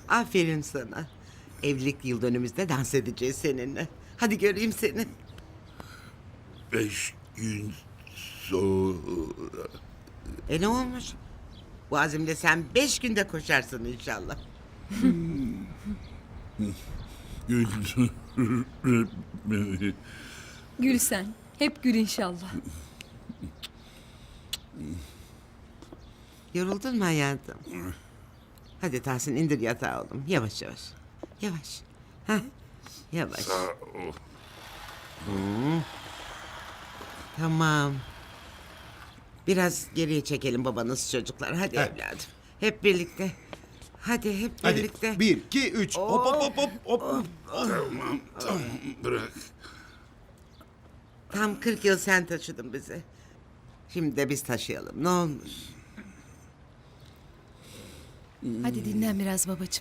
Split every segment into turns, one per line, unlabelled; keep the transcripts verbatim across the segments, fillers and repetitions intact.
Aferin sana. Evlilik yıl dönümümüzde dans edeceğiz seninle. Hadi göreyim seni.
Beş gün sonra.
E ne olmuş? Bu azimle sen beş günde koşarsın inşallah.
Güldürmeni.
Gül sen. Hep gül inşallah.
Yoruldun mu hayatım? Hadi Tahsin indir yatağı oğlum. Yavaş yavaş. Yavaş. Heh. Yavaş.
Sağ ol.
Tamam. Biraz geriye çekelim babanız çocuklar. Hadi evladım. Hep birlikte. Hadi hep
Hadi
birlikte.
bir, iki, üç. Hop hop hop hop hop.
Tamam tamam bırak.
Tam kırk yıl sen taşıdın bizi. Şimdi de biz taşıyalım. Ne olmuş?
Hadi dinlen biraz babacığım.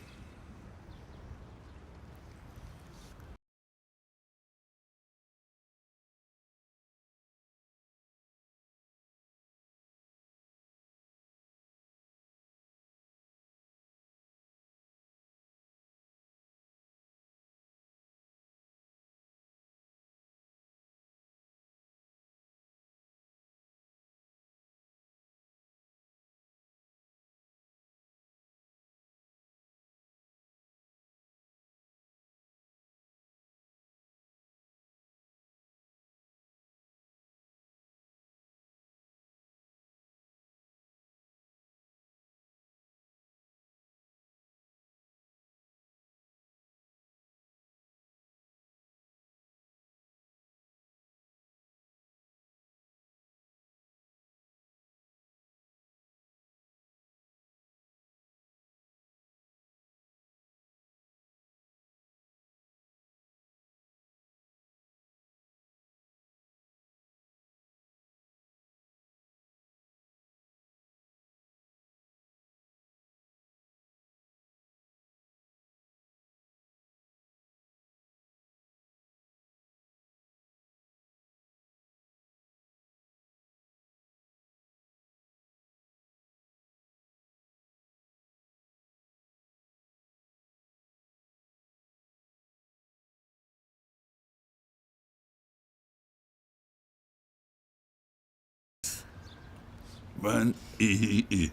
Ben iyi.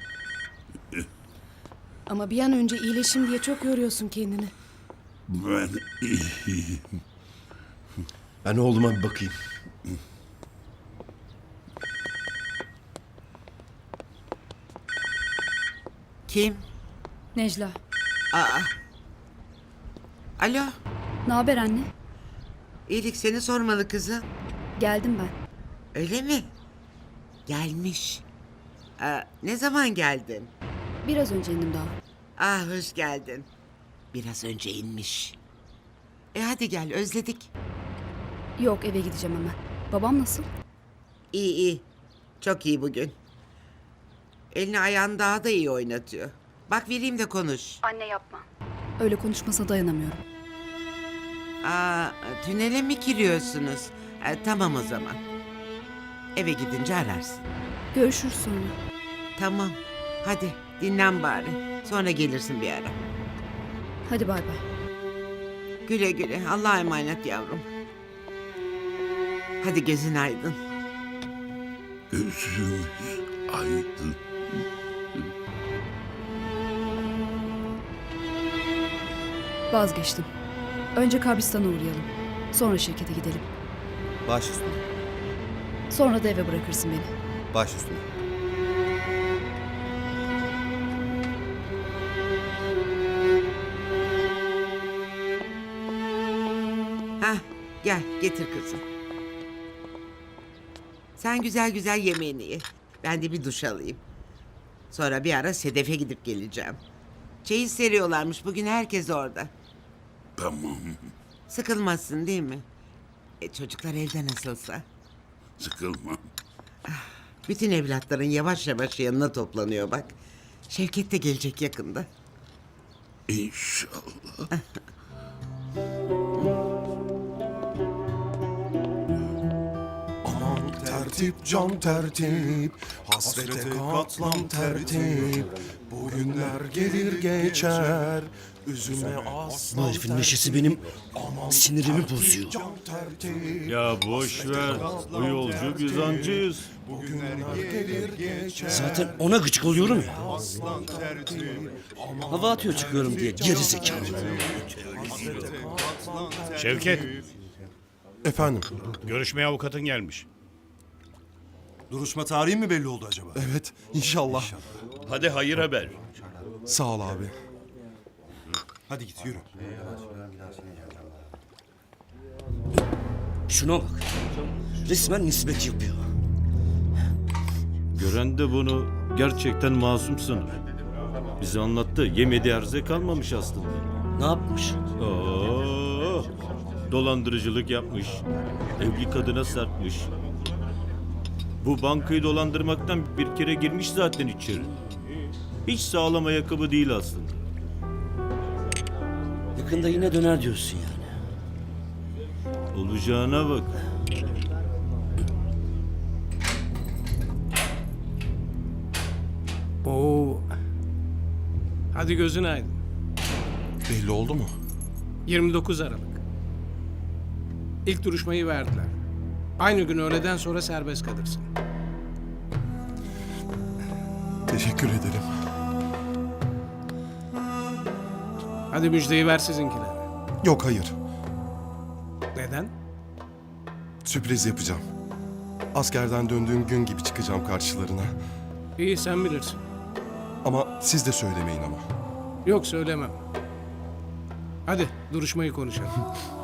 Ama bir an önce iyileşim diye çok yoruyorsun kendini.
Ben iyiyim.
Ben oğluma bir bakayım.
Kim?
Necla.
Aa. Alo.
Ne haber anne?
İyilik seni sormalı kızım.
Geldim ben.
Öyle mi? Gelmiş. Aa, ne zaman geldin?
Biraz önce indim daha.
Ah hoş geldin. Biraz önce inmiş. E hadi gel özledik.
Yok, eve gideceğim hemen. Babam nasıl?
İyi iyi. Çok iyi bugün. Elini ayağını daha da iyi oynatıyor. Bak vereyim de konuş.
Anne yapma. Öyle konuşmasa dayanamıyorum.
Aa, tünele mi giriyorsunuz? E, tamam o zaman. Eve gidince ararsın.
Görüşürüz sonra.
Tamam. Hadi dinlen bari. Sonra gelirsin bir ara.
Hadi bay bay.
Güle güle. Allah'a emanet yavrum. Hadi gözün aydın.
Gözümüz aydın.
Vazgeçtim. Önce kabristana uğrayalım. Sonra şirkete gidelim.
Baş üstüne.
Sonra da eve bırakırsın beni.
Baş üstüne.
Hah, gel getir kızım. Sen güzel güzel yemeğini ye. Ben de bir duş alayım. Sonra bir ara Sedef'e gidip geleceğim. Çeyiz seriyorlarmış bugün herkes orada.
Tamam.
Sıkılmazsın değil mi? E, çocuklar evde nasılsa.
Sıkılmam.
Bütün evlatların yavaş yavaş yanına toplanıyor bak. Şevket de gelecek yakında.
İnşallah.
Aman tertip can tertip, hasrete katlan tertip.
Bu günler gelir geçer. Üzülme aslan.
Bu herifin neşesi benim sinirimi bozuyor.
Ya boş ver. O yolcu biz ancıyız.
Gelir geçer.
Zaten ona gıcık oluyorum ya.
Aslan tertip.
Hava atıyor çıkıyorum diye geri zekalı.
Şevket,
Efendim,
görüşmeye avukatın gelmiş.
Duruşma tarihi mi belli oldu acaba?
evet inşallah.
Hadi hayır haber.
Sağ ol abi.
Hadi git yürü.
Şuna bak. Resmen nispet yapıyor.
Gören de bunu gerçekten masum sanır. Bize anlattı. Yemediği erze kalmamış aslında.
Ne yapmış?
Oo, dolandırıcılık yapmış. Evli kadına sarkmış. Bu bankayı dolandırmaktan bir kere girmiş zaten içeri. Hiç sağlam ayakkabı değil aslında.
Yakında yine döner diyorsun yani.
Olacağına bak.
Oo. Hadi gözün aydın.
Belli oldu mu?
yirmi dokuz Aralık. İlk duruşmayı verdiler. Aynı gün öğleden sonra serbest kalırsın.
Teşekkür ederim.
Hadi müjdeyi ver sizinkine.
Yok hayır.
Neden?
Sürpriz yapacağım. Askerden döndüğüm gün gibi çıkacağım karşılarına.
İyi sen bilirsin.
Ama siz de söylemeyin ama.
Yok söylemem. Hadi duruşmayı konuşalım.